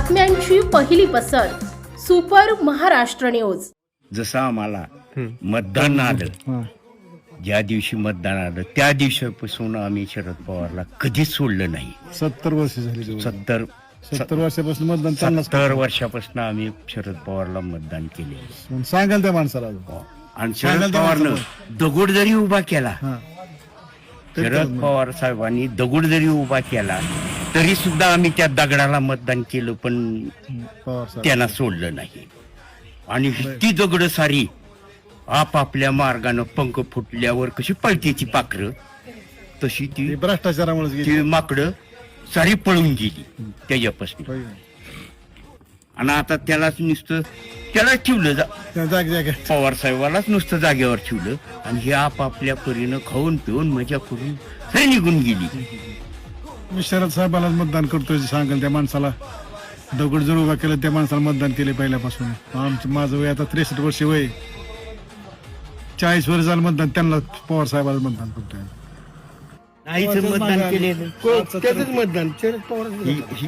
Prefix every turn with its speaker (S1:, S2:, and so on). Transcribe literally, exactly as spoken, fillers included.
S1: बातम्यांची पहिली पसर सुपर महाराष्ट्र न्यूज.
S2: जसं आम्हाला मतदान आलं, ज्या दिवशी मतदान आलं त्या दिवसापासून आम्ही शरद पवारला कधीच सोडलं नाही.
S3: सत्तर वर्ष झाली.
S2: सत्तर
S3: सत्तर वर्षापासून मतदान त्यांनाच
S2: सत्तर वर्षापासून आम्ही शरद पवारला मतदान केले.
S3: सांगाल त्या माणसाला.
S2: आणि शरद पवारनं दगड जरी उभा केला, शरद पवार साहेबांनी दगड जरी उभा केला तरी सुद्धा आम्ही त्या दगडाला मतदान केलं, पण त्यांना सोडलं नाही. आणि ती दगड सारी आपापल्या मार्गानं पंख फुटल्यावर कशी पळतेची पाखरं तशी ती
S3: भ्रष्टाचारामुळे
S2: ती माकडं सारी पळून गेली त्याच्यापासून. आणि आता त्यालाच नुसतं त्यालाच ठेवलं जा पवार साहेबालाच नुसतं जागेवर ठेवलं आणि हे आपापल्या परीनं खाऊन पिऊन मजा करून सरी निघून गेली.
S3: मी शरद साहेबाला मतदान करतोय सांगाल त्या माणसाला. दगड जर उभा केलं त्या माणसाला मतदान केले पहिल्यापासून. आमचं माझं वय आता त्रेसष्ट वर्ष वय. चाळीस वर्ष झालं मतदान त्यांना पवार साहेबाला मतदान करतोय.
S2: आईचं मतदान केलेलं
S3: मतदान शरद पवार.